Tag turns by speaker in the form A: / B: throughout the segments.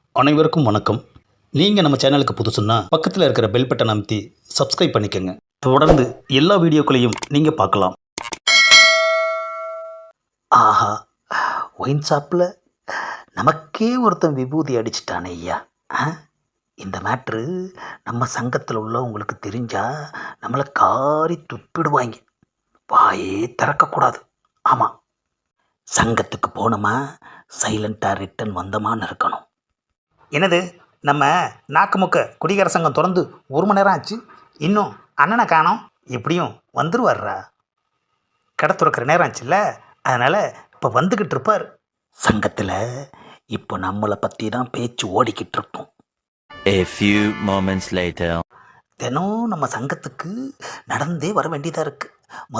A: அனைவருக்கும் வணக்கம். நீங்கள் நம்ம சேனலுக்கு புதுசுன்னா பக்கத்தில் இருக்கிற பெல் பட்டன் அமைத்தி சப்ஸ்கிரைப் பண்ணிக்கோங்க. தொடர்ந்து எல்லா வீடியோக்களையும் நீங்கள் பார்க்கலாம். ஆஹா, ஒயின் ஷாப்பில் நமக்கே ஒருத்தன் விபூதி அடிச்சிட்டானே ஐயா. இந்த மேட்ரு நம்ம சங்கத்தில் உள்ளவங்களுக்கு தெரிஞ்சா நம்மளை காரி துப்பிடுவாங்க. வாயே திறக்கக்கூடாது. ஆமாம், சங்கத்துக்கு போனோமா சைலண்ட்டாக ரிட்டன் வந்தோமான்னு இருக்கணும். என்னது, நம்ம நாக்குமுக்க குடிகார சங்கம் திறந்து 1 மணி நேரம் ஆச்சு, இன்னும் அண்ணனை காணோம். எப்படியும் வந்துருவார்ரா, கடை துறக்கிற நேரம் ஆச்சுல்ல, அதனால் இப்போ வந்துக்கிட்டு இருப்பார். சங்கத்தில் இப்போ நம்மளை பற்றி தான் பேச்சு ஓடிக்கிட்டு இருக்கோம்.
B: A few moments later.
A: தினம் நம்ம சங்கத்துக்கு நடந்தே வர வேண்டியதாக இருக்குது.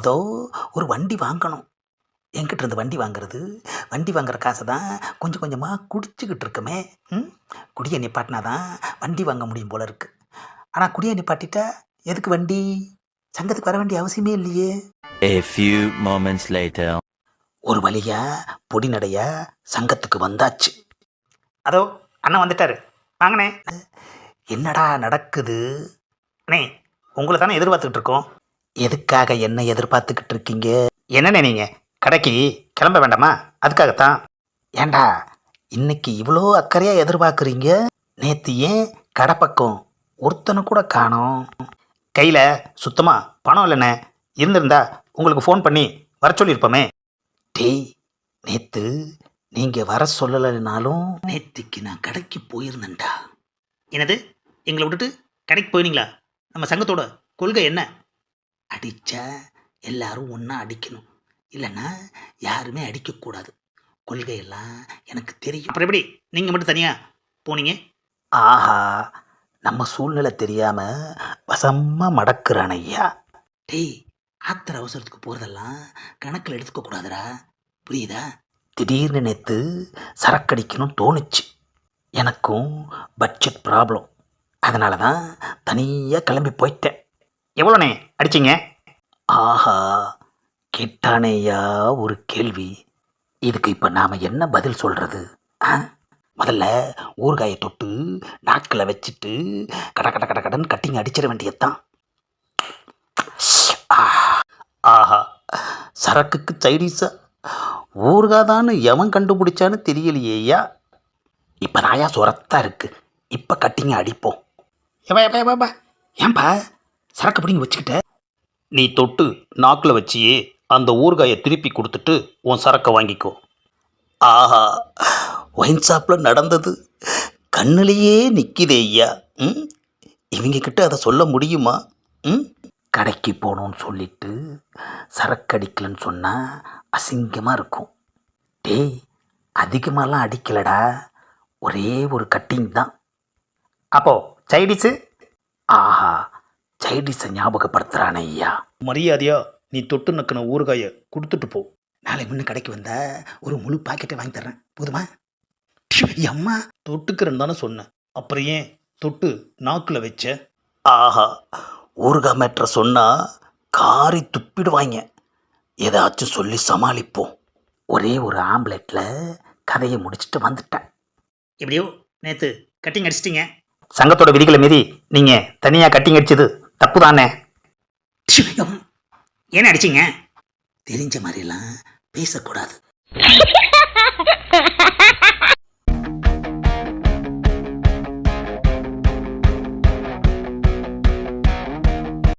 A: ஒரு வண்டி வாங்கணும். என்கிட்ட இருந்து வண்டி வாங்குற காசை தான் கொஞ்சம் கொஞ்சமாக குடிச்சிக்கிட்டு இருக்கமே. குடியை நிப்பாட்டினா தான் வண்டி வாங்க முடியும் போல இருக்குது. ஆனால் குடியை நிப்பாட்டிட்டா எதுக்கு வண்டி? சங்கத்துக்கு வர வேண்டிய அவசியமே இல்லையே.
B: A few moments later.
A: ஒரு வழியா பொடி நடையா சங்கத்துக்கு வந்தாச்சு. அதோ அண்ணன் வந்துட்டாரு, வாங்கண்ணே. என்னடா நடக்குது? அண்ணே, உங்களை தானே எதிர்பார்த்துக்கிட்டு இருக்கோம். எதுக்காக என்ன எதிர்பார்த்துக்கிட்டு இருக்கீங்க? என்னண்ணே நீங்கள் கடைக்கு கிளம்ப வேண்டாமா? அதுக்காகத்தான். ஏண்டா இன்னைக்கு இவ்வளோ அக்கறையாக எதிர்பார்க்குறீங்க? நேற்று ஏன் கடை பக்கம் ஒருத்தனை கூட காணோம்? கையில் சுத்தமாக பணம் இல்லைண்ணே. இருந்திருந்தா உங்களுக்கு ஃபோன் பண்ணி வர சொல்லியிருப்போமே. டேய், நேற்று நீங்கள் வர சொல்லலைனாலும் நேற்றுக்கு நான் கடைக்கு போயிருந்தேன்டா. என்னது, எங்களை விட்டுட்டு கடைக்கு போயிருந்தீங்களா? நம்ம சங்கத்தோட கொள்கை என்ன? அடித்தா எல்லாரும் ஒன்றா அடிக்கணும், இல்லைன்னா யாருமே அடிக்கக்கூடாது. கொள்கையெல்லாம் எனக்கு தெரியும். அப்புறம் எப்படி நீங்கள் மட்டும் தனியாக போனீங்க? ஆஹா, நம்ம சூழ்நிலை தெரியாமல் வசமாக மடக்குறான் ஐயா. டேய், ஆத்திர அவசரத்துக்கு போகிறதெல்லாம் கணக்கில் எடுத்துக்கக்கூடாதுடா, புரியுதா? திடீர்னு நேற்று சரக்கடிக்கணும் தோணுச்சு. எனக்கும் பட்ஜெட் ப்ராப்ளம், அதனால தான் தனியாக கிளம்பி போயிட்டேன். எவ்வளோண்ணே அடிச்சிங்க? ஆஹா, கேட்டானேயா ஒரு கேள்வி. இதுக்கு இப்போ நாம் என்ன பதில் சொல்கிறது? முதல்ல ஊறுகாயை தொட்டு நாக்கில் வச்சுட்டு கடன் கட்டிங்க அடிச்சிட வேண்டியதுதான். ஆஹா, சரக்குக்கு சைடிஸா ஊறுகாதான்னு எவன் கண்டுபிடிச்சான்னு தெரியலையேயா. இப்போ நாயா சுரத்தா இருக்குது, இப்போ கட்டிங்க அடிப்போம். ஏன்பா சரக்கு பிடிங்க வச்சுக்கிட்ட? நீ தொட்டு நாக்கில் வச்சியே அந்த ஊறுகாயை திருப்பி கொடுத்துட்டு உன் சரக்கை வாங்கிக்கோ. ஆஹா, ஒயின் ஷாப்பில் நடந்தது கண்ணிலேயே நிற்கிதே ஐயா. இவங்கக்கிட்ட அதை சொல்ல முடியுமா? கடைக்கு போகணுன்னு சொல்லிட்டு சரக்கு அடிக்கலன்னு சொன்னால் அசிங்கமாக இருக்கும். டேய், அதிகமாகலாம் அடிக்கலடா, ஒரே ஒரு கட்டிங் தான். அப்போது சைடிஸு? ஆஹா, சைடிஸை ஞாபகப்படுத்துகிறானே ஐயா. மரியாதையா நீ தொட்டு நக்கின ஊறுகாயை கொடுத்துட்டு போ. நாளை முன்ன கடைக்கு வந்தா ஒரு முழு பாக்கெட்டை வாங்கி தர்றேன், போதுமா? அம்மா, தொட்டுக்கிறேன்னு தானே சொன்னேன், அப்புறம் ஏன் தொட்டு நாக்கில் வச்ச? ஆஹா, ஊறுகாய் மேட்ரை சொன்னால் காரி துப்பிடுவாங்க. ஏதாச்சும் சொல்லி சமாளிப்போம். ஒரே ஒரு ஆம்லெட்டில் கதையை முடிச்சுட்டு வந்துட்டேன். எப்படியோ நேற்று கட்டிங் அடிச்சிட்டிங்க. சங்கத்தோட விதிகளை மீறி நீங்கள் தனியாக கட்டிங் அடிச்சது தப்பு தானே? ஏன் அடிச்சிங்க? தெரிஞ்ச மாதிரிலாம் பேசக்கூடாது.